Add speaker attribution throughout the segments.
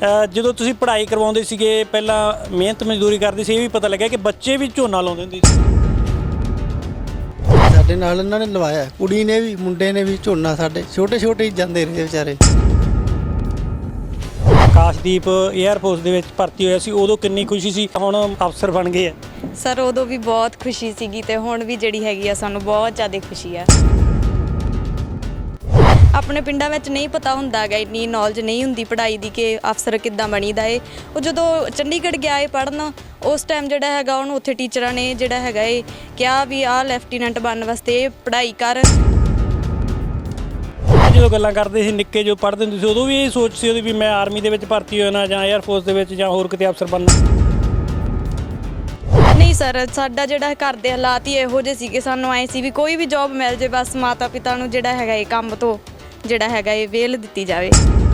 Speaker 1: ਜਦੋਂ ਤੁਸੀਂ ਪੜ੍ਹਾਈ ਕਰਵਾਉਂਦੇ ਸੀਗੇ ਪਹਿਲਾਂ ਮਿਹਨਤ ਮਜ਼ਦੂਰੀ ਕਰਦੇ ਸੀ, ਇਹ ਵੀ ਪਤਾ ਲੱਗਿਆ ਕਿ ਬੱਚੇ ਵੀ ਝੋਨਾ ਲਾਉਂਦੇ ਹੁੰਦੇ ਸੀ।
Speaker 2: ਸਾਡੇ ਨਾਲ ਇਹਨਾਂ ਨੇ ਲਵਾਇਆ, ਕੁੜੀ ਨੇ ਵੀ ਮੁੰਡੇ ਨੇ ਵੀ ਝੋਨਾ। ਸਾਡੇ ਛੋਟੇ ਛੋਟੇ ਹੀ ਜਾਂਦੇ ਰਹੇ ਵਿਚਾਰੇ।
Speaker 1: ਆਕਾਸ਼ਦੀਪ 에ਅਰਫੋਰਸ ਦੇ ਵਿੱਚ ਭਰਤੀ ਹੋਇਆ ਸੀ, ਉਦੋਂ ਕਿੰਨੀ ਖੁਸ਼ੀ ਸੀ, ਹੁਣ ਅਫਸਰ ਬਣ ਗਏ ਆ।
Speaker 3: ਸਰ ਉਦੋਂ ਵੀ ਬਹੁਤ ਖੁਸ਼ੀ ਸੀਗੀ ਤੇ ਹੁਣ ਵੀ ਜਿਹੜੀ ਹੈਗੀ ਆ ਸਾਨੂੰ ਬਹੁਤ ਜ਼ਿਆਦਾ ਖੁਸ਼ੀ ਆ। ਆਪਣੇ ਪਿੰਡਾਂ ਵਿੱਚ ਨਹੀਂ ਪਤਾ ਹੁੰਦਾ ਗਾ, ਇੰਨੀ ਨੌਲੇਜ ਨਹੀਂ ਹੁੰਦੀ ਪੜ੍ਹਾਈ ਦੀ ਕਿ ਅਫਸਰ ਕਿੱਦਾਂ ਬਣੀਦਾ ਏ। ਉਹ ਜਦੋਂ ਚੰਡੀਗੜ੍ਹ ਗਿਆ ਏ ਪੜ੍ਹਨ, ਉਸ ਟਾਈਮ ਜਿਹੜਾ ਹੈਗਾ ਉਹਨੂੰ ਉੱਥੇ ਟੀਚਰਾਂ ਨੇ ਜਿਹੜਾ ਹੈਗਾ ਏ ਕਿਹਾ ਵੀ ਆਹ ਲੈਫਟੀਨੈਂਟ ਬਣਨ ਵਾਸਤੇ ਪੜ੍ਹਾਈ ਕਰ।
Speaker 1: ਜਦੋਂ ਗੱਲਾਂ ਕਰਦੇ ਸੀ ਨਿੱਕੇ ਜੋ ਪੜ੍ਹਦੇ ਹੁੰਦੇ ਸੀ, ਉਦੋਂ ਵੀ ਇਹ ਸੋਚ ਸੀ ਉਹਦੀ ਵੀ ਮੈਂ ਆਰਮੀ ਦੇ ਵਿੱਚ ਭਰਤੀ ਹੋਣਾ ਜਾਂ 에ਅਰਫੋਰਸ ਦੇ ਵਿੱਚ ਜਾਂ ਹੋਰ ਕਿਤੇ ਅਫਸਰ ਬਣਨਾ।
Speaker 3: ਨਹੀਂ ਸਰ, ਸਾਡਾ ਜਿਹੜਾ ਘਰ ਦੇ ਹਾਲਾਤ ਹੀ ਇਹੋ ਜਿਹੇ ਸੀਗੇ, ਸਾਨੂੰ ਆਏ ਸੀ ਵੀ ਕੋਈ ਵੀ ਜੌਬ ਮਿਲ ਜੇ, ਬਸ ਮਾਤਾ ਪਿਤਾ ਨੂੰ ਜਿਹੜਾ ਹੈਗਾ ਇਹ ਕੰਮ ਤੋਂ ਜਿਹੜਾ ਹੈਗਾ ਇਹ ਵੇਲ ਦਿੱਤੀ ਜਾਵੇ।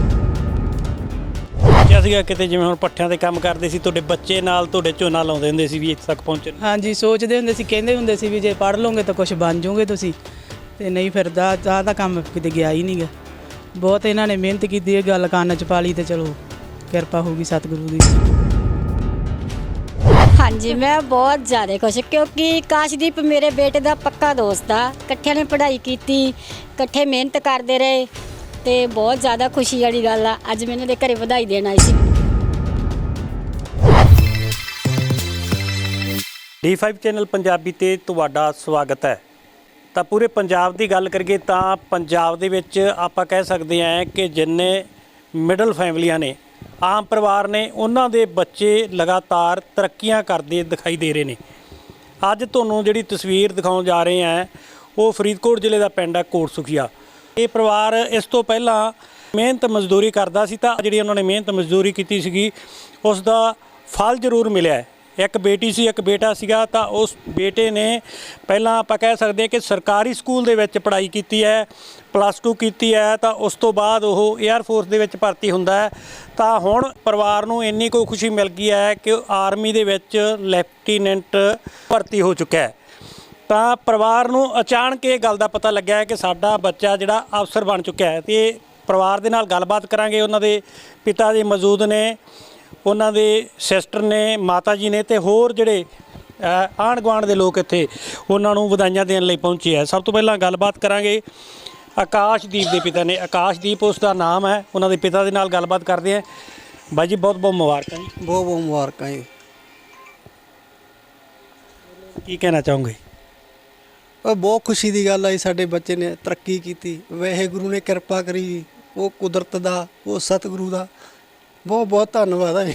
Speaker 1: ਕਿਹਾ ਸੀਗਾ ਕਿਤੇ ਜਿਵੇਂ ਹੁਣ ਪੱਠਿਆਂ ਤੇ ਕੰਮ ਕਰਦੇ ਸੀ, ਤੁਹਾਡੇ ਬੱਚੇ ਨਾਲ ਤੁਹਾਡੇ ਝੋਨਾ ਲਾਉਂਦੇ ਹੁੰਦੇ ਸੀ ਵੀ ਇੱਥੇ ਤੱਕ ਪਹੁੰਚਣ।
Speaker 4: ਹਾਂਜੀ, ਸੋਚਦੇ ਹੁੰਦੇ ਸੀ, ਕਹਿੰਦੇ ਹੁੰਦੇ ਸੀ ਵੀ ਜੇ ਪੜ੍ਹ ਲਓਗੇ ਤਾਂ ਕੁਝ ਬਣ ਜਾਓਗੇ ਤੁਸੀਂ, ਤੇ ਨਹੀਂ ਫਿਰ ਦਾ ਕੰਮ ਕਿਤੇ ਗਿਆ ਹੀ ਨਹੀਂ ਗਾ। ਬਹੁਤ ਇਹਨਾਂ ਨੇ ਮਿਹਨਤ ਕੀਤੀ, ਇਹ ਗੱਲ ਕੰਨ 'ਚ ਪਾ ਲਈ ਤੇ ਚਲੋ ਕਿਰਪਾ ਹੋਊਗੀ ਸਤਿਗੁਰੂ ਦੀ।
Speaker 5: ਹਾਂਜੀ, ਮੈਂ ਬਹੁਤ ਜ਼ਿਆਦਾ ਖੁਸ਼ ਕਿਉਂਕਿ ਆਕਾਸ਼ਦੀਪ ਮੇਰੇ ਬੇਟੇ ਦਾ ਪੱਕਾ ਦੋਸਤ ਆ। ਇਕੱਠਿਆਂ ਨੇ ਪੜ੍ਹਾਈ ਕੀਤੀ, ਇਕੱਠੇ ਮਿਹਨਤ ਕਰਦੇ ਰਹੇ ਤੇ ਬਹੁਤ ਜ਼ਿਆਦਾ ਖੁਸ਼ੀ ਵਾਲੀ ਗੱਲ ਆ। ਅੱਜ ਮੈਂ ਇਹਨਾਂ ਦੇ ਘਰੇ ਵਧਾਈ ਦੇਣ ਆਈ ਸੀ।
Speaker 1: D5 ਚੈਨਲ ਪੰਜਾਬੀ ਤੇ ਤੁਹਾਡਾ ਸਵਾਗਤ ਹੈ। ਤਾਂ ਪੂਰੇ ਪੰਜਾਬ ਦੀ ਗੱਲ ਕਰੀਏ ਤਾਂ ਪੰਜਾਬ ਦੇ ਵਿੱਚ ਆਪਾਂ ਕਹਿ ਸਕਦੇ ਹਾਂ ਕਿ ਜਿੰਨੇ ਮਿਡਲ ਫੈਮਲੀਆਂ ਨੇ, ਆਮ ਪਰਿਵਾਰ ਨੇ, ਉਹਨਾਂ ਦੇ ਬੱਚੇ ਲਗਾਤਾਰ ਤਰੱਕੀਆਂ ਕਰਦੇ ਦਿਖਾਈ ਦੇ ਰਹੇ ਨੇ। ਅੱਜ ਤੁਹਾਨੂੰ ਜਿਹੜੀ ਤਸਵੀਰ ਦਿਖਾਉਣ ਜਾ ਰਹੇ ਹਾਂ ਉਹ ਫਰੀਦਕੋਟ ਜ਼ਿਲ੍ਹੇ ਦਾ ਪਿੰਡ ਹੈ ਕੋਟ ਸੁਖੀਆ। ਇਹ ਪਰਿਵਾਰ ਇਸ ਤੋਂ ਪਹਿਲਾਂ ਮਿਹਨਤ ਮਜ਼ਦੂਰੀ ਕਰਦਾ ਸੀ, ਤਾਂ ਜਿਹੜੀ ਉਹਨਾਂ ਨੇ ਮਿਹਨਤ ਮਜ਼ਦੂਰੀ ਕੀਤੀ ਸੀਗੀ ਉਸ ਦਾ ਫਲ ਜ਼ਰੂਰ ਮਿਲਿਆ। ਇੱਕ ਬੇਟੀ ਸੀ, ਇੱਕ ਬੇਟਾ ਸੀਗਾ। ਤਾਂ ਉਸ ਬੇਟੇ ਨੇ ਪਹਿਲਾਂ ਆਪਾਂ ਕਹਿ ਸਕਦੇ ਹਾਂ ਕਿ ਸਰਕਾਰੀ ਸਕੂਲ ਦੇ ਵਿੱਚ ਪੜ੍ਹਾਈ ਕੀਤੀ ਹੈ, +2 ਕੀਤੀ ਹੈ। ਤਾਂ ਉਸ ਤੋਂ ਬਾਅਦ ਉਹ 에ਅਰਫੋਰਸ ਦੇ ਵਿੱਚ ਭਰਤੀ ਹੁੰਦਾ ਹੈ। ਤਾਂ ਹੁਣ ਪਰਿਵਾਰ ਨੂੰ ਇੰਨੀ ਕੋਈ ਖੁਸ਼ੀ ਮਿਲ ਗਈ ਹੈ ਕਿ ਉਹ ਆਰਮੀ ਦੇ ਵਿੱਚ ਲੈਫਟੀਨੈਂਟ ਭਰਤੀ ਹੋ ਚੁੱਕਿਆ ਹੈ। ਤਾਂ ਪਰਿਵਾਰ ਨੂੰ ਅਚਾਨਕ ਇਹ ਗੱਲ ਦਾ ਪਤਾ ਲੱਗਿਆ ਹੈ ਕਿ ਸਾਡਾ ਬੱਚਾ ਜਿਹੜਾ ਅਫਸਰ ਬਣ ਚੁੱਕਿਆ ਹੈ। ਅਤੇ ਪਰਿਵਾਰ ਦੇ ਨਾਲ ਗੱਲਬਾਤ ਕਰਾਂਗੇ। ਉਹਨਾਂ ਦੇ ਪਿਤਾ ਜੀ ਮੌਜੂਦ ਨੇ, ਉਹਨਾਂ ਦੇ ਸਿਸਟਰ ਨੇ, ਮਾਤਾ ਜੀ ਨੇ, ਅਤੇ ਹੋਰ ਜਿਹੜੇ ਆਂਢ ਗੁਆਂਢ ਦੇ ਲੋਕ ਇੱਥੇ ਉਹਨਾਂ ਨੂੰ ਵਧਾਈਆਂ ਦੇਣ ਲਈ ਪਹੁੰਚੇ ਹੈ। ਸਭ ਤੋਂ ਪਹਿਲਾਂ ਗੱਲਬਾਤ ਕਰਾਂਗੇ ਆਕਾਸ਼ਦੀਪ ਦੇ ਪਿਤਾ ਨੇ। ਆਕਾਸ਼ਦੀਪ ਉਸ ਦਾ ਨਾਮ ਹੈ। ਉਹਨਾਂ ਦੇ ਪਿਤਾ ਦੇ ਨਾਲ ਗੱਲਬਾਤ ਕਰਦੇ ਹਾਂ। ਬਾਈ ਜੀ ਬਹੁਤ ਬਹੁਤ ਮੁਬਾਰਕਾਂ ਜੀ।
Speaker 2: ਬਹੁਤ ਬਹੁਤ ਮੁਬਾਰਕਾਂ ਜੀ।
Speaker 1: ਕੀ ਕਹਿਣਾ ਚਾਹੋਗੇ?
Speaker 2: ਬਹੁਤ ਖੁਸ਼ੀ ਦੀ ਗੱਲ ਆ ਜੀ, ਸਾਡੇ ਬੱਚੇ ਨੇ ਤਰੱਕੀ ਕੀਤੀ। ਵਾਹਿਗੁਰੂ ਨੇ ਕਿਰਪਾ ਕਰੀ ਜੀ, ਉਹ ਕੁਦਰਤ ਦਾ, ਉਹ ਸਤਿਗੁਰੂ ਦਾ ਬਹੁਤ ਬਹੁਤ ਧੰਨਵਾਦ ਹੈ ਜੀ।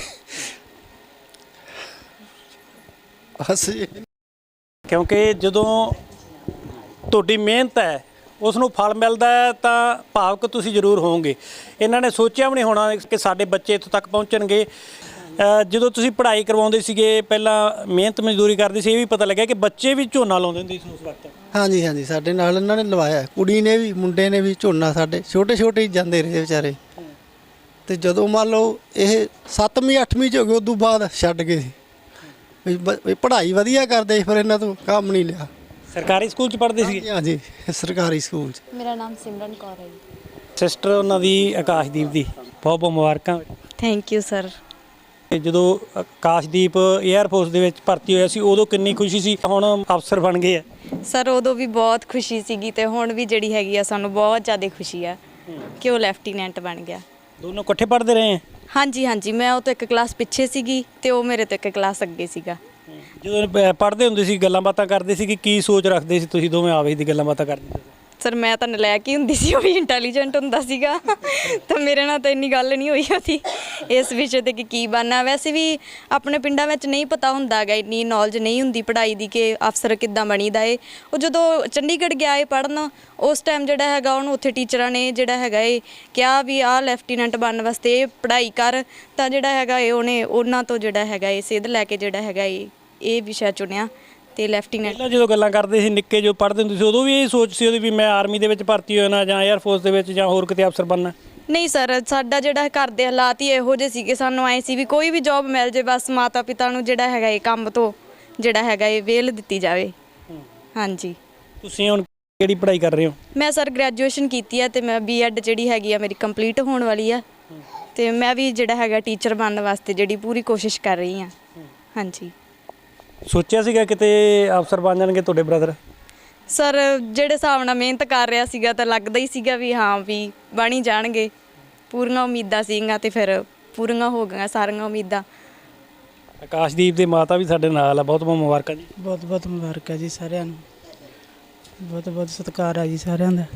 Speaker 2: ਬਸ ਜੀ,
Speaker 1: ਕਿਉਂਕਿ ਜਦੋਂ ਤੁਹਾਡੀ ਮਿਹਨਤ ਹੈ ਉਸ ਨੂੰ ਫਲ ਮਿਲਦਾ ਹੈ ਤਾਂ ਭਾਵਕ ਤੁਸੀਂ ਜ਼ਰੂਰ ਹੋਵੋਗੇ। ਇਹਨਾਂ ਨੇ ਸੋਚਿਆ ਵੀ ਨਹੀਂ ਹੋਣਾ ਕਿ ਸਾਡੇ ਬੱਚੇ ਇੱਥੋਂ ਤੱਕ ਪਹੁੰਚਣਗੇ। ਜਦੋਂ ਤੁਸੀਂ ਪੜ੍ਹਾਈ ਕਰਵਾਉਂਦੇ ਸੀਗੇ ਪਹਿਲਾਂ ਮਿਹਨਤ ਮਜ਼ਦੂਰੀ ਕਰਦੇ ਸੀ, ਇਹ ਵੀ ਪਤਾ ਲੱਗਿਆ ਕਿ ਬੱਚੇ ਵੀ ਝੋਨਾ ਲਾਉਂਦੇ ਹੁੰਦੇ ਸੀ ਉਸ ਵਕਤ।
Speaker 2: ਹਾਂਜੀ ਹਾਂਜੀ, ਸਾਡੇ ਨਾਲ ਇਹਨਾਂ ਨੇ ਲਵਾਇਆ, ਕੁੜੀ ਨੇ ਵੀ ਮੁੰਡੇ ਨੇ ਵੀ ਝੋਨਾ। ਸਾਡੇ ਛੋਟੇ ਛੋਟੇ ਹੀ ਜਾਂਦੇ ਰਹੇ ਵਿਚਾਰੇ। ਤੇ ਜਦੋਂ ਮੰਨ ਲਓ ਇਹ 7ਵੀਂ 8ਵੀਂ 'ਚ ਹੋ ਗਏ, ਉਦੋਂ ਬਾਅਦ ਛੱਡ ਗਏ ਸੀ ਵੀ ਪੜ੍ਹਾਈ ਵਧੀਆ ਕਰਦੇ ਸੀ, ਫਿਰ ਇਹਨਾਂ ਤੋਂ ਕੰਮ ਨਹੀਂ ਲਿਆ।
Speaker 1: ਸਰਕਾਰੀ ਸਕੂਲ 'ਚ ਪੜ੍ਹਦੇ ਸੀ?
Speaker 2: ਹਾਂਜੀ, ਸਰਕਾਰੀ ਸਕੂਲ 'ਚ।
Speaker 3: ਮੇਰਾ ਨਾਮ ਸਿਮਰਨ ਕੌਰ ਹੈ ਜੀ।
Speaker 1: ਸਿਸਟਰ ਉਹਨਾਂ ਦੀ ਆਕਾਸ਼ਦੀਪ ਦੀ ਬਹੁਤ ਬਹੁਤ ਮੁਬਾਰਕਾਂ।
Speaker 3: Thank you sir.
Speaker 1: ਜਦੋਂ ਆਕਾਸ਼ਦੀਪ 에ਅਰਫੋਰਸ ਦੇ ਵਿੱਚ ਭਰਤੀ ਹੋਇਆ ਸੀ, ਉਦੋਂ ਕਿੰਨੀ ਖੁਸ਼ੀ ਸੀ, ਹੁਣ ਅਫਸਰ ਬਣ ਗਏ ਆ।
Speaker 3: ਸਰ ਉਦੋਂ ਵੀ ਬਹੁਤ ਖੁਸ਼ੀ ਸੀਗੀ ਤੇ ਹੁਣ ਵੀ ਜਿਹੜੀ ਹੈਗੀ ਆ ਸਾਨੂੰ ਬਹੁਤ ਜ਼ਿਆਦਾ ਖੁਸ਼ੀ ਆ ਕਿ ਉਹ ਲੈਫਟੀਨੈਂਟ ਬਣ ਗਿਆ।
Speaker 1: ਦੋਨੋਂ ਇਕੱਠੇ ਪੜ੍ਹਦੇ ਰਹੇ ਆ?
Speaker 3: ਹਾਂਜੀ ਹਾਂਜੀ, ਮੈਂ ਉਹ ਤੋਂ ਇੱਕ ਕਲਾਸ ਪਿੱਛੇ ਸੀਗੀ ਤੇ ਉਹ ਮੇਰੇ ਤੋਂ ਇੱਕ ਕਲਾਸ ਅੱਗੇ ਸੀਗਾ।
Speaker 1: ਜਦੋਂ ਪੜ੍ਹਦੇ ਹੁੰਦੇ ਸੀ, ਗੱਲਾਂ ਬਾਤਾਂ ਕਰਦੇ ਸੀ ਕਿ ਕੀ ਸੋਚ ਰੱਖਦੇ ਸੀ ਤੁਸੀਂ ਦੋਵੇਂ ਆਵੇ ਦੀ ਗੱਲਾਂ ਬਾਤਾਂ ਕਰਦੇ ਸੀ?
Speaker 3: ਸਰ ਮੈਂ ਤਾਂ ਨਲਾਇਕ ਹੀ ਹੁੰਦੀ ਸੀ, ਉਹ ਵੀ ਇੰਟੈਲੀਜੈਂਟ ਹੁੰਦਾ ਸੀਗਾ। ਤਾਂ ਮੇਰੇ ਨਾਲ ਤਾਂ ਇੰਨੀ ਗੱਲ ਨਹੀਂ ਹੋਈ ਉਹਦੀ ਇਸ ਵਿਸ਼ੇ 'ਤੇ ਕਿ ਕੀ ਬਣਨਾ। ਵੈਸੇ ਵੀ ਆਪਣੇ ਪਿੰਡਾਂ ਵਿੱਚ ਨਹੀਂ ਪਤਾ ਹੁੰਦਾ ਗਾ, ਇੰਨੀ ਨੌਲੇਜ ਨਹੀਂ ਹੁੰਦੀ ਪੜ੍ਹਾਈ ਦੀ ਕਿ ਅਫਸਰ ਕਿੱਦਾਂ ਬਣੀਦਾ ਏ। ਉਹ ਜਦੋਂ ਚੰਡੀਗੜ੍ਹ ਗਿਆ ਏ ਪੜ੍ਹਨ, ਉਸ ਟਾਈਮ ਜਿਹੜਾ ਹੈਗਾ ਉਹਨੂੰ ਉੱਥੇ ਟੀਚਰਾਂ ਨੇ ਜਿਹੜਾ ਹੈਗਾ ਏ ਕਿਹਾ ਵੀ ਆਹ ਲੈਫਟੀਨੈਂਟ ਬਣਨ ਵਾਸਤੇ ਪੜ੍ਹਾਈ ਕਰ। ਤਾਂ ਜਿਹੜਾ ਹੈਗਾ ਏ ਉਹਨੇ ਉਹਨਾਂ ਤੋਂ ਜਿਹੜਾ ਹੈਗਾ ਏ ਸਿੱਧ ਲੈ ਕੇ ਜਿਹੜਾ ਹੈਗਾ ਏ ਇਹ ਵਿਸ਼ਾ ਚੁਣਿਆ ਤੇ ਲੈਫਟੀਨੈਂਟ।
Speaker 1: ਪਹਿਲਾਂ ਜਦੋਂ ਗੱਲਾਂ ਕਰਦੇ ਸੀ ਨਿੱਕੇ ਜੋ ਪੜ੍ਹਦੇ ਹੁੰਦੇ ਸੀ, ਉਦੋਂ ਵੀ ਇਹ ਸੋਚ ਸੀ ਉਹਦੀ ਵੀ ਮੈਂ ਆਰਮੀ ਦੇ ਵਿੱਚ ਭਰਤੀ ਹੋਣਾ ਜਾਂ 에ਅਰਫੋਰਸ ਦੇ ਵਿੱਚ ਜਾਂ ਹੋਰ ਕਿਤੇ ਅਫਸਰ ਬਣਨਾ?
Speaker 3: ਨਹੀਂ ਸਰ, ਸਾਡਾ ਜਿਹੜਾ ਘਰ ਦੇ ਹਾਲਾਤ ਹੀ ਇਹੋ ਜਿਹੇ ਸੀਗੇ, ਸਾਨੂੰ ਆਏ ਸੀ ਵੀ ਕੋਈ ਵੀ ਜੌਬ ਮਿਲ ਜੇ, ਬਸ ਮਾਤਾ ਪਿਤਾ ਨੂੰ ਜਿਹੜਾ ਹੈਗਾ ਇਹ ਕੰਮ ਤੋਂ ਜਿਹੜਾ ਹੈਗਾ ਇਹ ਵੇਲ ਦਿੱਤੀ ਜਾਵੇ। ਹਾਂਜੀ।
Speaker 1: ਤੁਸੀਂ ਹੁਣ ਕਿਹੜੀ ਪੜ੍ਹਾਈ ਕਰ ਰਹੇ ਹੋ?
Speaker 3: ਮੈਂ ਸਰ ਗ੍ਰੈਜੂਏਸ਼ਨ ਕੀਤੀ ਹੈ ਤੇ ਮੈਂ B.Ed ਜਿਹੜੀ ਹੈਗੀ ਆ ਮੇਰੀ ਕੰਪਲੀਟ ਹੋਣ ਵਾਲੀ ਆ। ਤੇ ਮੈਂ ਵੀ ਜਿਹੜਾ ਹੈਗਾ ਟੀਚਰ ਬਣਨ ਵਾਸਤੇ ਜਿਹੜੀ ਪੂਰੀ ਕੋਸ਼ਿਸ਼ ਕਰ ਰਹੀ ਹਾਂ। ਹਾਂਜੀ
Speaker 1: ਸੋਚਿਆ ਸੀਗਾ ਕਿਤੇ ਅਫਸਰ ਬਣ ਜਾਣਗੇ ਤੁਹਾਡੇ ਬ੍ਰਦਰ?
Speaker 3: ਸਰ ਜਿਹੜੇ ਹਿਸਾਬ ਨਾਲ ਮਿਹਨਤ ਕਰ ਰਿਹਾ ਸੀਗਾ ਤਾਂ ਲੱਗਦਾ ਹੀ ਸੀਗਾ ਵੀ ਹਾਂ ਵੀ ਬਣ ਹੀ ਜਾਣਗੇ। ਪੂਰੀਆਂ ਉਮੀਦਾਂ ਸੀਗੀਆਂ ਤੇ ਫਿਰ ਪੂਰੀਆਂ ਹੋ ਗਈਆਂ ਸਾਰੀਆਂ ਉਮੀਦਾਂ।
Speaker 1: ਆਕਾਸ਼ਦੀਪ ਦੇ ਮਾਤਾ ਵੀ ਸਾਡੇ ਨਾਲ ਆ, ਬਹੁਤ ਬਹੁਤ ਮੁਬਾਰਕਾਂ ਜੀ।
Speaker 4: ਬਹੁਤ ਬਹੁਤ ਮੁਬਾਰਕਾਂ ਜੀ ਸਾਰਿਆਂ ਨੂੰ, ਬਹੁਤ ਬਹੁਤ ਸਤਿਕਾਰ ਆ ਜੀ ਸਾਰਿਆਂ ਦਾ।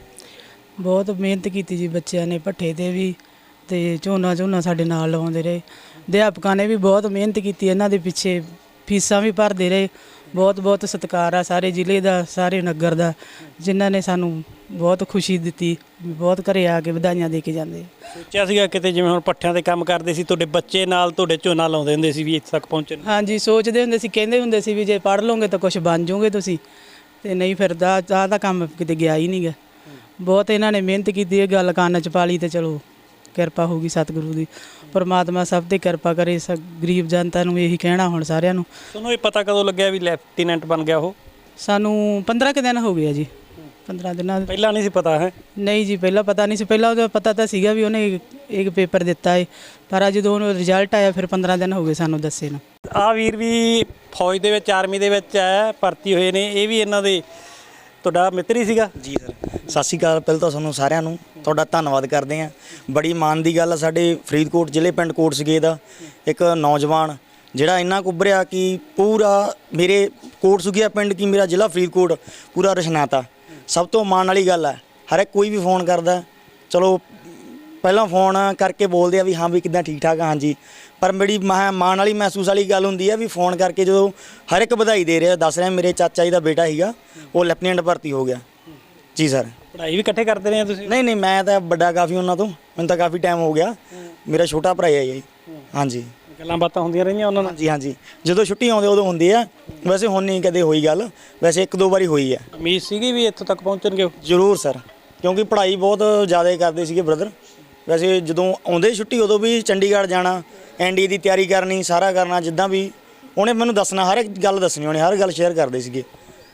Speaker 4: ਬਹੁਤ ਮਿਹਨਤ ਕੀਤੀ ਜੀ ਬੱਚਿਆਂ ਨੇ, ਭੱਠੇ ਤੇ ਵੀ ਤੇ ਝੋਨਾ ਸਾਡੇ ਨਾਲ ਲਵਾਉਂਦੇ ਰਹੇ। ਅਧਿਆਪਕਾਂ ਨੇ ਵੀ ਬਹੁਤ ਮਿਹਨਤ ਕੀਤੀ ਇਹਨਾਂ ਦੇ ਪਿੱਛੇ, ਫੀਸਾਂ ਵੀ ਭਰਦੇ ਰਹੇ। ਬਹੁਤ ਬਹੁਤ ਸਤਿਕਾਰ ਆ ਸਾਰੇ ਜ਼ਿਲ੍ਹੇ ਦਾ, ਸਾਰੇ ਨਗਰ ਦਾ, ਜਿਨ੍ਹਾਂ ਨੇ ਸਾਨੂੰ ਬਹੁਤ ਖੁਸ਼ੀ ਦਿੱਤੀ। ਬਹੁਤ ਘਰੇ ਆ ਕੇ ਵਧਾਈਆਂ ਦੇ ਕੇ ਜਾਂਦੇ।
Speaker 1: ਸੋਚਿਆ ਸੀਗਾ ਕਿਤੇ ਜਿਵੇਂ ਹੁਣ ਪੱਠਿਆਂ ਤੇ ਕੰਮ ਕਰਦੇ ਸੀ ਤੁਹਾਡੇ ਬੱਚੇ ਨਾਲ ਤੁਹਾਡੇ ਝੋਨਾ ਲਾਉਂਦੇ ਹੁੰਦੇ ਸੀ ਵੀ ਇੱਥੇ ਤੱਕ ਪਹੁੰਚਣ?
Speaker 4: ਹਾਂਜੀ ਸੋਚਦੇ ਹੁੰਦੇ ਸੀ, ਕਹਿੰਦੇ ਹੁੰਦੇ ਸੀ ਵੀ ਜੇ ਪੜ੍ਹ ਲਓਗੇ ਤਾਂ ਕੁਝ ਬਣ ਜਾਓਗੇ ਤੁਸੀਂ, ਤੇ ਨਹੀਂ ਫਿਰ ਦਾ ਕੰਮ ਕਿਤੇ ਗਿਆ ਹੀ ਨਹੀਂ ਗਾ। ਬਹੁਤ ਇਹਨਾਂ ਨੇ ਮਿਹਨਤ ਕੀਤੀ, ਇਹ ਗੱਲ ਕੰਨ 'ਚ ਪਾ ਲਈ ਤੇ ਚਲੋ ਕਿਰਪਾ ਹੋਊਗੀ ਸਤਿਗੁਰੂ ਦੀ। ਪਰਮਾਤਮਾ ਸਭ ਤੇ ਕਿਰਪਾ ਕਰੇ। ਗਰੀਬ ਜਨਤਾ ਨੂੰ ਇਹੀ ਕਹਿਣਾ ਹੁਣ ਸਾਰਿਆਂ ਨੂੰ।
Speaker 1: ਤੁਹਾਨੂੰ ਇਹ ਪਤਾ ਕਦੋਂ ਲੱਗਿਆ ਵੀ ਲੈਫਟੀਨੈਂਟ ਬਣ ਗਿਆ ਉਹ?
Speaker 4: ਸਾਨੂੰ 15 ਕੁ ਦਿਨ ਹੋ ਗਏ ਆ ਜੀ। 15 ਦਿਨਾਂ
Speaker 1: ਪਹਿਲਾਂ ਨਹੀਂ ਸੀ ਪਤਾ ਹੈ?
Speaker 4: ਨਹੀਂ ਜੀ, ਪਹਿਲਾਂ ਪਤਾ ਨਹੀਂ ਸੀ। ਪਹਿਲਾਂ ਉਹਦਾ ਪਤਾ ਤਾਂ ਸੀਗਾ ਵੀ ਉਹਨੇ ਇੱਕ ਪੇਪਰ ਦਿੱਤਾ ਹੈ, ਪਰ ਜਦੋਂ ਉਹਨੂੰ ਰਿਜ਼ਲਟ ਆਇਆ ਫਿਰ 15 ਦਿਨ ਹੋ ਗਏ ਸਾਨੂੰ ਦੱਸੇ ਨੂੰ।
Speaker 1: ਆ ਵੀਰ ਵੀ ਫੌਜ ਦੇ ਵਿੱਚ, ਆਰਮੀ ਦੇ ਵਿੱਚ ਹੈ, ਭਰਤੀ ਹੋਏ ਨੇ। ਇਹ ਵੀ ਇਹਨਾਂ ਦੇ ਤੁਹਾਡਾ ਮਿੱਤਰ ਹੀ ਸੀਗਾ?
Speaker 6: ਜੀ ਸਰ, ਸਤਿ ਸ਼੍ਰੀ ਅਕਾਲ। ਪਹਿਲਾਂ ਤਾਂ ਤੁਹਾਨੂੰ ਸਾਰਿਆਂ ਨੂੰ ਤੁਹਾਡਾ ਧੰਨਵਾਦ ਕਰਦੇ ਹਾਂ। ਬੜੀ ਮਾਣ ਦੀ ਗੱਲ ਆ, ਸਾਡੇ ਫਰੀਦਕੋਟ ਜ਼ਿਲ੍ਹੇ ਪਿੰਡ ਕੋਟਸਗੇ ਦਾ ਇੱਕ ਨੌਜਵਾਨ ਜਿਹੜਾ ਇੰਨਾ ਕੁ ਉੱਭਰਿਆ ਕਿ ਪੂਰਾ ਮੇਰੇ ਕੋਟਸਗੀਆ ਪਿੰਡ ਕੀ ਮੇਰਾ ਜ਼ਿਲ੍ਹਾ ਫਰੀਦਕੋਟ ਪੂਰਾ ਰਸ਼ਨਾਤਾ। ਸਭ ਤੋਂ ਮਾਣ ਵਾਲੀ ਗੱਲ ਹੈ, ਹਰ ਇੱਕ ਕੋਈ ਵੀ ਫੋਨ ਕਰਦਾ, ਚਲੋ ਪਹਿਲਾਂ ਫੋਨ ਕਰਕੇ ਬੋਲਦੇ ਆ ਵੀ ਹਾਂ ਵੀ ਕਿੱਦਾਂ, ਠੀਕ ਠਾਕ ਆ, ਹਾਂਜੀ। ਪਰ ਮੇਰੀ ਮਾਣ ਵਾਲੀ ਮਹਿਸੂਸ ਵਾਲੀ ਗੱਲ ਹੁੰਦੀ ਹੈ ਵੀ ਫੋਨ ਕਰਕੇ ਜਦੋਂ ਹਰ ਇੱਕ ਵਧਾਈ ਦੇ ਰਿਹਾ, ਦੱਸ ਰਿਹਾ ਮੇਰੇ ਚਾਚਾ ਜੀ ਦਾ ਬੇਟਾ ਸੀਗਾ ਉਹ ਲੈਫਟੀਨੈਂਟ ਭਰਤੀ ਹੋ ਗਿਆ। ਜੀ ਸਰ।
Speaker 1: ਪੜ੍ਹਾਈ ਵੀ ਇਕੱਠੇ ਕਰਦੇ ਰਹੇ ਤੁਸੀਂ?
Speaker 6: ਨਹੀਂ ਨਹੀਂ, ਮੈਂ ਤਾਂ ਵੱਡਾ ਕਾਫੀ ਉਹਨਾਂ ਤੋਂ, ਮੈਨੂੰ ਤਾਂ ਕਾਫੀ ਟਾਈਮ ਹੋ ਗਿਆ। ਮੇਰਾ ਛੋਟਾ ਭਰਾ ਹੈ ਜੀ। ਹਾਂਜੀ,
Speaker 1: ਗੱਲਾਂ ਬਾਤਾਂ ਹੁੰਦੀਆਂ ਰਹੀਆਂ ਉਹਨਾਂ ਨਾਲ?
Speaker 6: ਹਾਂਜੀ ਹਾਂਜੀ, ਜਦੋਂ ਛੁੱਟੀ ਆਉਂਦੇ ਉਦੋਂ ਹੁੰਦੀ ਆ। ਵੈਸੇ ਹੁਣ ਨਹੀਂ ਕਦੇ ਹੋਈ ਗੱਲ, ਵੈਸੇ ਇੱਕ ਦੋ ਵਾਰੀ ਹੋਈ ਹੈ।
Speaker 1: ਉਮੀਦ ਸੀਗੀ ਵੀ ਇੱਥੋਂ ਤੱਕ ਪਹੁੰਚਣਗੇ?
Speaker 6: ਜ਼ਰੂਰ ਸਰ, ਕਿਉਂਕਿ ਪੜ੍ਹਾਈ ਬਹੁਤ ਜ਼ਿਆਦਾ ਕਰਦੇ ਸੀਗੇ ਬ੍ਰਦਰ। ਵੈਸੇ ਜਦੋਂ ਆਉਂਦੇ ਛੁੱਟੀ ਉਦੋਂ ਵੀ ਚੰਡੀਗੜ੍ਹ ਜਾਣਾ, ਐਨਡੀ ਦੀ ਤਿਆਰੀ ਕਰਨੀ, ਸਾਰਾ ਕਰਨਾ। ਜਿੱਦਾਂ ਵੀ ਉਹਨੇ ਮੈਨੂੰ ਦੱਸਣਾ, ਹਰ ਇੱਕ ਗੱਲ ਦੱਸਣੀ, ਉਹਨੇ ਹਰ ਗੱਲ ਸ਼ੇਅਰ ਕਰਦੇ ਸੀਗੇ।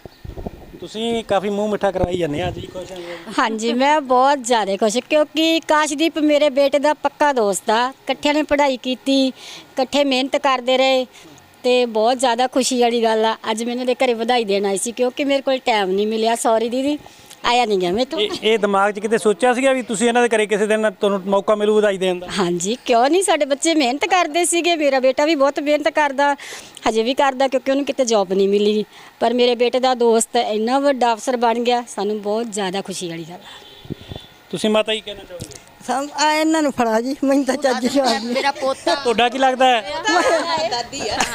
Speaker 1: ਤੁਸੀਂ ਕਾਫੀ ਮੂੰਹ ਮਿੱਠਾ ਕਰਵਾਈ ਜਾਂਦੇ ਆ, ਅੱਜ ਹੀ ਖੁਸ਼ ਹਾਂ?
Speaker 5: ਹਾਂਜੀ ਮੈਂ ਬਹੁਤ ਜ਼ਿਆਦਾ ਖੁਸ਼, ਕਿਉਂਕਿ ਕਾਸ਼ਦੀਪ ਮੇਰੇ ਬੇਟੇ ਦਾ ਪੱਕਾ ਦੋਸਤ ਆ। ਇਕੱਠਿਆਂ ਨੇ ਪੜ੍ਹਾਈ ਕੀਤੀ, ਇਕੱਠੇ ਮਿਹਨਤ ਕਰਦੇ ਰਹੇ ਤੇ ਬਹੁਤ ਜ਼ਿਆਦਾ ਖੁਸ਼ੀ ਵਾਲੀ ਗੱਲ ਆ। ਅੱਜ ਮੈਨੂੰ ਦੇ ਘਰੇ ਵਧਾਈ ਦੇਣ ਆਈ ਸੀ, ਕਿਉਂਕਿ ਮੇਰੇ ਕੋਲ ਟਾਈਮ ਨਹੀਂ ਮਿਲਿਆ। ਸੌਰੀ ਦੀਦੀ, ਆਇਆ ਨਹੀਂ ਗਿਆ ਮੈਂ ਤੋਂ।
Speaker 1: ਇਹ ਦਿਮਾਗ 'ਚ ਕਿਤੇ ਸੋਚਿਆ ਸੀਗਾ ਵੀ ਤੁਸੀਂ ਇਹਨਾਂ ਦੇ ਘਰੇ ਕਿਸੇ ਦਿਨ ਤੁਹਾਨੂੰ ਮੌਕਾ ਮਿਲੂ ਵਧਾਈ ਦੇਣ ਦਾ?
Speaker 5: ਹਾਂਜੀ ਕਿਉਂ ਨਹੀਂ, ਸਾਡੇ ਬੱਚੇ ਮਿਹਨਤ ਕਰਦੇ ਸੀਗੇ। ਮੇਰਾ ਬੇਟਾ ਵੀ ਬਹੁਤ ਮਿਹਨਤ ਕਰਦਾ, ਹਜੇ ਵੀ ਕਰਦਾ, ਕਿਉਂਕਿ ਉਹਨੂੰ ਕਿਤੇ ਜੌਬ ਨਹੀਂ ਮਿਲੀ। ਪਰ ਮੇਰੇ ਬੇਟੇ ਦਾ ਦੋਸਤ ਇੰਨਾ ਵੱਡਾ ਅਫਸਰ ਬਣ ਗਿਆ, ਸਾਨੂੰ ਬਹੁਤ ਜ਼ਿਆਦਾ ਖੁਸ਼ੀ ਵਾਲੀ ਗੱਲ ਆ।
Speaker 1: ਤੁਸੀਂ ਮਾਤਾ ਜੀ ਕਹਿਣਾ ਚਾਹੋਗੇ?
Speaker 7: ਇਹਨਾਂ ਨੂੰ ਫੜਾ ਜੀ, ਮੈਨੂੰ ਤਾਂ ਚੱਜ ਜਵਾਬ ਨਹੀਂ।
Speaker 3: ਮੇਰਾ ਪੋਤਾ
Speaker 1: ਤੁਹਾਡਾ ਕੀ ਲੱਗਦਾ ਹੈ?
Speaker 3: ਦਾਦੀ ਆ।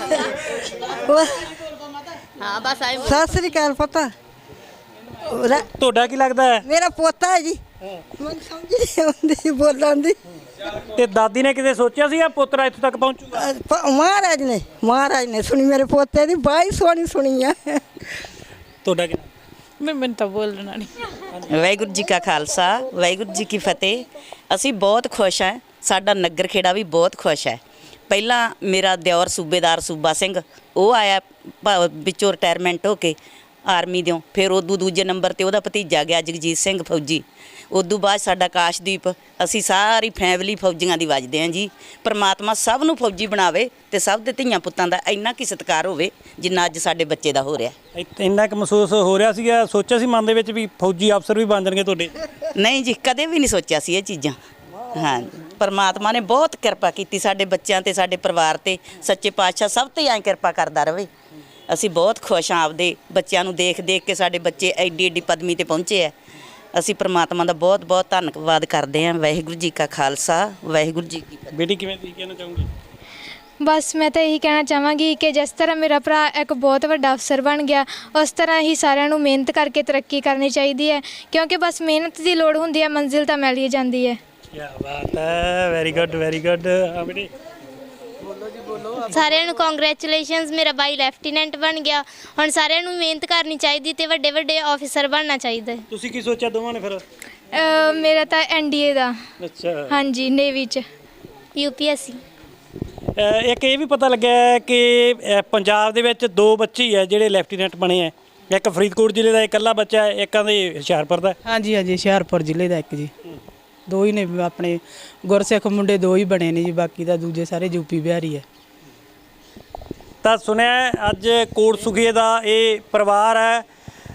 Speaker 3: ਹਾਂ ਬਸ ਆਏ।
Speaker 7: ਸਤਿ ਸ੍ਰੀ ਅਕਾਲ ਪਤਾ।
Speaker 1: ਤੁਹਾਡਾ ਕੀ ਲੱਗਦਾ ਹੈ?
Speaker 7: ਮੇਰਾ ਪੋਤਾ ਹੈ ਜੀ। ਮੈਨੂੰ ਸਮਝ ਨਹੀਂ ਆਉਂਦੀ ਬੋਲਣ ਦੀ।
Speaker 1: ਤੇ ਦਾਦੀ ਨੇ ਕਿਤੇ ਸੋਚਿਆ ਸੀਗਾ ਪੁੱਤਰਾ ਇੱਥੋਂ ਤੱਕ ਪਹੁੰਚੂਗਾ?
Speaker 7: ਮਹਾਰਾਜ ਨੇ ਸੁਣੀ ਮੇਰੇ ਪੋਤੇ ਦੀ, ਬਾਈ ਸੋਹਣੀ ਸੁਣੀ ਆ।
Speaker 1: ਤੁਹਾਡਾ ਕੀ?
Speaker 4: ਮੈਨੂੰ ਤਾਂ ਬੋਲਣਾ ਨਹੀਂ।
Speaker 8: ਵਾਹਿਗੁਰੂ ਜੀ ਕਾ ਖਾਲਸਾ, ਵਾਹਿਗੁਰੂ ਜੀ ਕੀ ਫਤਿਹ। ਅਸੀਂ ਬਹੁਤ ਖੁਸ਼ ਹਾਂ, ਸਾਡਾ ਨਗਰ ਖੇੜਾ ਵੀ ਬਹੁਤ ਖੁਸ਼ ਹੈ। ਪਹਿਲਾਂ ਮੇਰਾ ਦਿਓਰ ਸੂਬੇਦਾਰ ਸੂਬਾ ਸਿੰਘ, ਉਹ ਆਇਆ ਵਿੱਚੋਂ ਰਿਟਾਇਰਮੈਂਟ ਹੋ ਕੇ ਆਰਮੀ ਦਿਓ। ਫਿਰ ਉਦੋਂ ਦੂਜੇ ਨੰਬਰ 'ਤੇ ਉਹਦਾ ਭਤੀਜਾ ਗਿਆ ਜਗਜੀਤ ਸਿੰਘ ਫੌਜੀ। ਉਦੋਂ ਬਾਅਦ ਸਾਡਾ ਆਕਾਸ਼ਦੀਪ। ਅਸੀਂ ਸਾਰੀ ਫੈਮਿਲੀ ਫੌਜੀਆਂ ਦੀ ਵੱਜਦੇ ਹਾਂ ਜੀ। ਪਰਮਾਤਮਾ ਸਭ ਨੂੰ ਫੌਜੀ ਬਣਾਵੇ ਤੇ ਸਭ ਦੇ ਧੀਆਂ ਪੁੱਤਾਂ ਦਾ ਇੰਨਾ ਕੀ ਸਤਿਕਾਰ ਹੋਵੇ ਜਿੰਨਾ ਅੱਜ ਸਾਡੇ ਬੱਚੇ ਦਾ ਹੋ ਰਿਹਾ।
Speaker 1: ਇੰਨਾ ਕੁ ਮਹਿਸੂਸ ਹੋ ਰਿਹਾ ਸੀਗਾ, ਸੋਚਿਆ ਸੀ ਮਨ ਦੇ ਵਿੱਚ ਵੀ ਫੌਜੀ ਅਫਸਰ ਵੀ ਬਣ ਜਾਣਗੇ ਤੁਹਾਡੇ?
Speaker 8: ਨਹੀਂ ਜੀ, ਕਦੇ ਵੀ ਨਹੀਂ ਸੋਚਿਆ ਸੀ ਇਹ ਚੀਜ਼ਾਂ। ਹਾਂ, ਪਰਮਾਤਮਾ ਨੇ ਬਹੁਤ ਕਿਰਪਾ ਕੀਤੀ ਸਾਡੇ ਬੱਚਿਆਂ ਤੇ, ਸਾਡੇ ਪਰਿਵਾਰ ਤੇ। ਸੱਚੇ ਪਾਤਸ਼ਾਹ ਸਭ ਤੇ ਐਂ ਕਿਰਪਾ ਕਰਦਾ ਰਹੇ। ਅਸੀਂ ਬਹੁਤ ਖੁਸ਼ ਹਾਂ ਆਪਦੇ ਬੱਚਿਆਂ ਨੂੰ ਦੇਖ ਦੇਖ ਕੇ। ਸਾਡੇ ਬੱਚੇ ਐਡੀ ਐਡੀ ਪਦਵੀ ਤੇ ਪਹੁੰਚੇ ਆ। ਅਸੀਂ ਪਰਮਾਤਮਾ ਦਾ ਬਹੁਤ ਬਹੁਤ ਧੰਨਵਾਦ ਕਰਦੇ ਹਾਂ। ਵਾਹਿਗੁਰੂ ਜੀ ਕਾ ਖਾਲਸਾ, ਵਾਹਿਗੁਰੂ ਜੀ ਕੀ ਫਤਿਹ।
Speaker 1: ਬੇਟੀ ਕਿਵੇਂ ਤੁਸੀਂ ਕਹਿਣਾ ਚਾਹੋਗੇ?
Speaker 9: ਬਸ ਮੈਂ ਤਾਂ ਇਹੀ ਕਹਿਣਾ ਚਾਹਾਂਗੀ ਕਿ ਜਿਸ ਤਰ੍ਹਾਂ ਮੇਰਾ ਭਰਾ ਇੱਕ ਬਹੁਤ ਵੱਡਾ ਅਫਸਰ ਬਣ ਗਿਆ, ਉਸ ਤਰ੍ਹਾਂ ਹੀ ਸਾਰਿਆਂ ਨੂੰ ਮਿਹਨਤ ਕਰਕੇ ਤਰੱਕੀ ਕਰਨੀ ਚਾਹੀਦੀ ਹੈ, ਕਿਉਂਕਿ ਬਸ ਮਿਹਨਤ ਦੀ ਲੋੜ ਹੁੰਦੀ ਹੈ, ਮੰਜ਼ਿਲ ਤਾਂ ਮਿਲ ਹੀ ਜਾਂਦੀ ਹੈ।
Speaker 1: ਕੀ ਬਾਤ ਹੈ, ਵੈਰੀ ਗੁੱਡ ਵੈਰੀ ਗੁੱਡ। ਹਾਂ ਬੇਟੀ।
Speaker 10: ਸਾਰਿਆਂ ਨੂੰ ਕੰਗ੍ਰੈਚੁਲੇਸ਼ਨਸ, ਮੇਰਾ ਬਾਈ ਲੈਫਟੀਨੈਂਟ ਬਣ ਗਿਆ। ਹੁਣ ਸਾਰਿਆਂ ਨੂੰ ਮਿਹਨਤ ਕਰਨੀ ਚਾਹੀਦੀ ਤੇ ਵੱਡੇ ਵੱਡੇ ਆਫੀਸਰ ਬਣਨਾ ਚਾਹੀਦਾ।
Speaker 1: ਤੁਸੀਂ ਕੀ ਸੋਚਿਆ ਦੋਵਾਂ ਨੇ ਫਿਰ?
Speaker 9: ਮੇਰਾ ਤਾਂ ਐਨਡੀਏ ਦਾ।
Speaker 1: ਅੱਛਾ।
Speaker 9: ਹਾਂਜੀ, ਨੇਵੀ 'ਚ।
Speaker 10: UPSC।
Speaker 1: ਇੱਕ ਇਹ ਵੀ ਪਤਾ ਲੱਗਿਆ ਕਿ ਪੰਜਾਬ ਦੇ ਵਿੱਚ 2 ਬੱਚੇ ਹੀ ਹੈ ਜਿਹੜੇ ਲੈਫਟੀਨੈਂਟ ਬਣੇ ਆ। ਇੱਕ ਫਰੀਦਕੋਟ ਜ਼ਿਲ੍ਹੇ ਦਾ ਇਕੱਲਾ ਬੱਚਾ ਹੈ, ਇੱਕ ਆਂਦੇ ਹੁਸ਼ਿਆਰਪੁਰ ਦਾ।
Speaker 4: ਹਾਂਜੀ ਹਾਂਜੀ, ਹੁਸ਼ਿਆਰਪੁਰ ਜ਼ਿਲ੍ਹੇ ਦਾ ਇੱਕ ਜੀ। ਦੋ ਹੀ ਨੇ ਆਪਣੇ ਗੁਰਸਿੱਖ ਮੁੰਡੇ, ਦੋ ਹੀ ਬਣੇ ਨੇ ਜੀ, ਬਾਕੀ ਤਾਂ ਦੂਜੇ ਸਾਰੇ ਯੂਪੀ ਬਿਹਾਰੀ ਹੈ।
Speaker 1: ਤਾਂ ਸੁਣਿਆ ਹੈ, ਅੱਜ ਕੋਟ ਸੁਖੀਏ ਦਾ ਇਹ ਪਰਿਵਾਰ ਹੈ,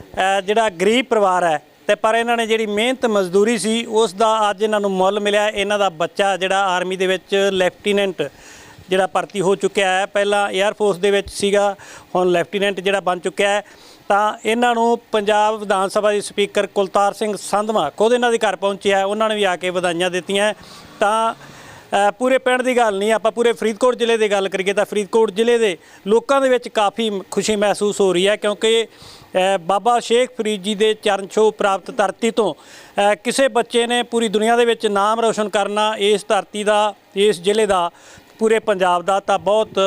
Speaker 1: ਜਿਹੜਾ ਗਰੀਬ ਪਰਿਵਾਰ ਹੈ, ਤੇ ਪਰ ਇਹਨਾਂ ਨੇ ਜਿਹੜੀ ਮਿਹਨਤ ਮਜ਼ਦੂਰੀ ਸੀ ਉਸ ਦਾ ਅੱਜ ਇਹਨਾਂ ਨੂੰ ਮੁੱਲ ਮਿਲਿਆ। ਇਹਨਾਂ ਦਾ ਬੱਚਾ ਜਿਹੜਾ ਆਰਮੀ ਦੇ ਵਿੱਚ ਲੈਫਟੀਨੈਂਟ ਜਿਹੜਾ ਭਰਤੀ ਹੋ ਚੁੱਕਿਆ ਹੈ, ਪਹਿਲਾਂ 에ਅਰ ਫੋਰਸ ਦੇ ਵਿੱਚ ਸੀਗਾ, ਹੁਣ ਲੈਫਟੀਨੈਂਟ ਜਿਹੜਾ ਬਣ ਚੁੱਕਿਆ ਹੈ। ਤਾਂ ਇਹਨਾਂ ਨੂੰ ਪੰਜਾਬ ਵਿਧਾਨ ਸਭਾ ਦੇ ਸਪੀਕਰ ਕੁਲਤਾਰ ਸਿੰਘ ਸੰਧਵਾਂ ਖੁਦ ਇਹਨਾਂ ਦੇ ਘਰ ਪਹੁੰਚਿਆ, ਉਹਨਾਂ ਨੇ ਵੀ ਆ ਕੇ ਵਧਾਈਆਂ ਦਿੱਤੀਆਂ। ਤਾਂ ਪੂਰੇ ਪਿੰਡ ਦੀ ਗੱਲ ਨਹੀਂ, ਆਪਾਂ ਪੂਰੇ ਫਰੀਦਕੋਟ ਜ਼ਿਲ੍ਹੇ ਦੀ ਗੱਲ ਕਰੀਏ ਤਾਂ ਫਰੀਦਕੋਟ ਜ਼ਿਲ੍ਹੇ ਦੇ ਲੋਕਾਂ ਦੇ ਵਿੱਚ ਕਾਫੀ ਖੁਸ਼ੀ ਮਹਿਸੂਸ ਹੋ ਰਹੀ ਹੈ, ਕਿਉਂਕਿ ਬਾਬਾ ਸ਼ੇਖ ਫਰੀਦ ਜੀ ਦੇ ਚਰਨ ਛੋਹ ਪ੍ਰਾਪਤ ਧਰਤੀ ਤੋਂ ਕਿਸੇ ਬੱਚੇ ਨੇ ਪੂਰੀ ਦੁਨੀਆ ਦੇ ਵਿੱਚ ਨਾਮ ਰੋਸ਼ਨ ਕਰਨਾ, ਇਸ ਧਰਤੀ ਦਾ, ਇਸ ਜ਼ਿਲ੍ਹੇ ਦਾ, ਪੂਰੇ ਪੰਜਾਬ ਦਾ, ਤਾਂ ਬਹੁਤ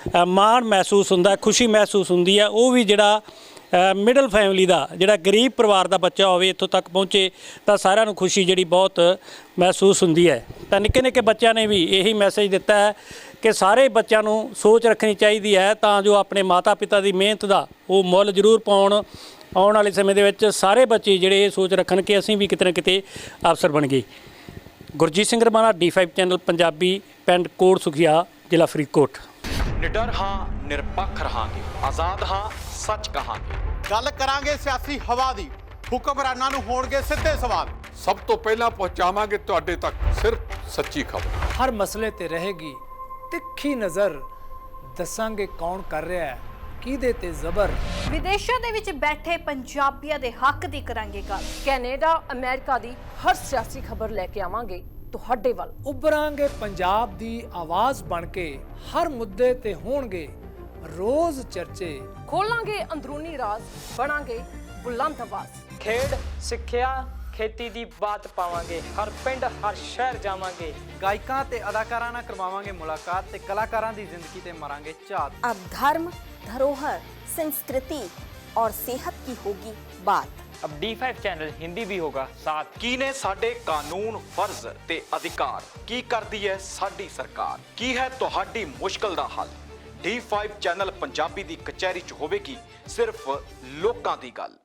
Speaker 1: ਮਾਣ ਮਹਿਸੂਸ ਹੁੰਦਾ, ਖੁਸ਼ੀ ਮਹਿਸੂਸ ਹੁੰਦੀ ਹੈ। ਉਹ ਵੀ ਜਿਹੜਾ ਮਿਡਲ ਫੈਮਿਲੀ ਦਾ, ਜਿਹੜਾ ਗਰੀਬ ਪਰਿਵਾਰ ਦਾ ਬੱਚਾ ਹੋਵੇ, ਇੱਥੋਂ ਤੱਕ ਪਹੁੰਚੇ, ਤਾਂ ਸਾਰਿਆਂ ਨੂੰ ਖੁਸ਼ੀ ਜਿਹੜੀ ਬਹੁਤ ਮਹਿਸੂਸ ਹੁੰਦੀ ਹੈ। ਤਾਂ ਨਿੱਕੇ ਨਿੱਕੇ ਬੱਚਿਆਂ ਨੇ ਵੀ ਇਹੀ ਮੈਸੇਜ ਦਿੱਤਾ ਹੈ ਕਿ ਸਾਰੇ ਬੱਚਿਆਂ ਨੂੰ ਸੋਚ ਰੱਖਣੀ ਚਾਹੀਦੀ ਹੈ ਤਾਂ ਜੋ ਆਪਣੇ ਮਾਤਾ ਪਿਤਾ ਦੀ ਮਿਹਨਤ ਦਾ ਉਹ ਮੁੱਲ ਜ਼ਰੂਰ ਪਾਉਣ। ਆਉਣ ਵਾਲੇ ਸਮੇਂ ਦੇ ਵਿੱਚ ਸਾਰੇ ਬੱਚੇ ਜਿਹੜੇ ਇਹ ਸੋਚ ਰੱਖਣ ਕਿ ਅਸੀਂ ਵੀ ਕਿਤੇ ਨਾ ਕਿਤੇ ਅਫਸਰ ਬਣ ਗਏ। ਗੁਰਜੀਤ ਸਿੰਘ ਰਮਾਣਾ, D5 ਚੈਨਲ ਪੰਜਾਬੀ, ਪਿੰਡ ਕੋਟ ਸੁਖੀਆ, ਜ਼ਿਲ੍ਹਾ ਫਰੀਦਕੋਟ।
Speaker 11: ਨਿਡਰ ਹਾਂ, ਨਿਰਪੱਖ ਰਹਾਂਗੇ, ਆਜ਼ਾਦ ਹਾਂ, ਸੱਚ ਕਹਾਂਗੇ।
Speaker 12: ਗੱਲ ਕਰਾਂਗੇ ਸਿਆਸੀ ਹਵਾ ਦੀ, ਹੁਕਮਰਾਨਾਂ ਨੂੰ ਹੋਣਗੇ ਸਿੱਧੇ ਸਵਾਲ।
Speaker 13: ਸਭ ਤੋਂ ਪਹਿਲਾਂ ਪਹੁੰਚਾਵਾਂਗੇ ਤੁਹਾਡੇ ਤੱਕ ਸਿਰਫ ਸੱਚੀ ਖਬਰ।
Speaker 14: ਹਰ ਮਸਲੇ ਤੇ ਰਹੇਗੀ ਤਿੱਖੀ ਨਜ਼ਰ, ਦੱਸਾਂਗੇ ਕੌਣ ਕਰ ਰਿਹਾ ਹੈ, ਕਿਹਦੇ ਤੇ ਜ਼ਬਰ।
Speaker 15: ਵਿਦੇਸ਼ਾਂ ਦੇ ਵਿੱਚ ਬੈਠੇ ਪੰਜਾਬੀਆਂ ਦੇ ਹੱਕ ਦੀ ਕਰਾਂਗੇ ਗੱਲ। ਕੈਨੇਡਾ, ਅਮਰੀਕਾ ਦੀ ਹਰ ਸਿਆਸੀ ਖਬਰ ਲੈ ਕੇ ਆਵਾਂਗੇ ਤੁਹਾਡੇ ਵੱਲ।
Speaker 14: ਉਭਰਾਂਗੇ ਪੰਜਾਬ ਦੀ ਆਵਾਜ਼ ਬਣ ਕੇ, ਹਰ ਮੁੱਦੇ ਤੇ ਹੋਣਗੇ ਰੋਜ਼ ਚਰਚੇ।
Speaker 15: ਖੋਲਾਂਗੇ ਅੰਦਰੂਨੀ ਰਾਜ਼, ਬਣਾਂਗੇ ਬੁਲੰਦ ਆਵਾਜ਼।
Speaker 16: ਖੇਡ, ਸਿੱਖਿਆ, ਖੇਤੀ ਦੀ ਬਾਤ ਪਾਵਾਂਗੇ, ਹਰ ਪਿੰਡ ਹਰ ਸ਼ਹਿਰ ਜਾਵਾਂਗੇ।
Speaker 17: ਗਾਇਕਾਂ ਤੇ ਅਦਾਕਾਰਾਂ ਨਾਲ ਕਰਵਾਵਾਂਗੇ ਮੁਲਾਕਾਤ ਤੇ ਕਲਾਕਾਰਾਂ ਦੀ ਜ਼ਿੰਦਗੀ ਤੇ ਮਾਰਾਂਗੇ ਝਾਤ।
Speaker 18: अब धर्म, धरोहर, संस्कृति और सेहत की होगी बात।
Speaker 16: अब D5 चैनल हिंदी भी होगा साथ।
Speaker 11: ਕੀ ਨੇ ਸਾਡੇ ਕਾਨੂੰਨ, ਫਰਜ਼ ਤੇ ਅਧਿਕਾਰ, ਕੀ ਕਰਦੀ ਹੈ ਸਾਡੀ ਸਰਕਾਰ, ਕੀ ਹੈ ਤੁਹਾਡੀ ਮੁਸ਼ਕਲ ਦਾ ਹੱਲ। D5 ਚੈਨਲ ਪੰਜਾਬੀ ਦੀ ਕਚਹਿਰੀ 'ਚ ਹੋਵੇਗੀ ਸਿਰਫ ਲੋਕਾਂ ਦੀ ਗੱਲ।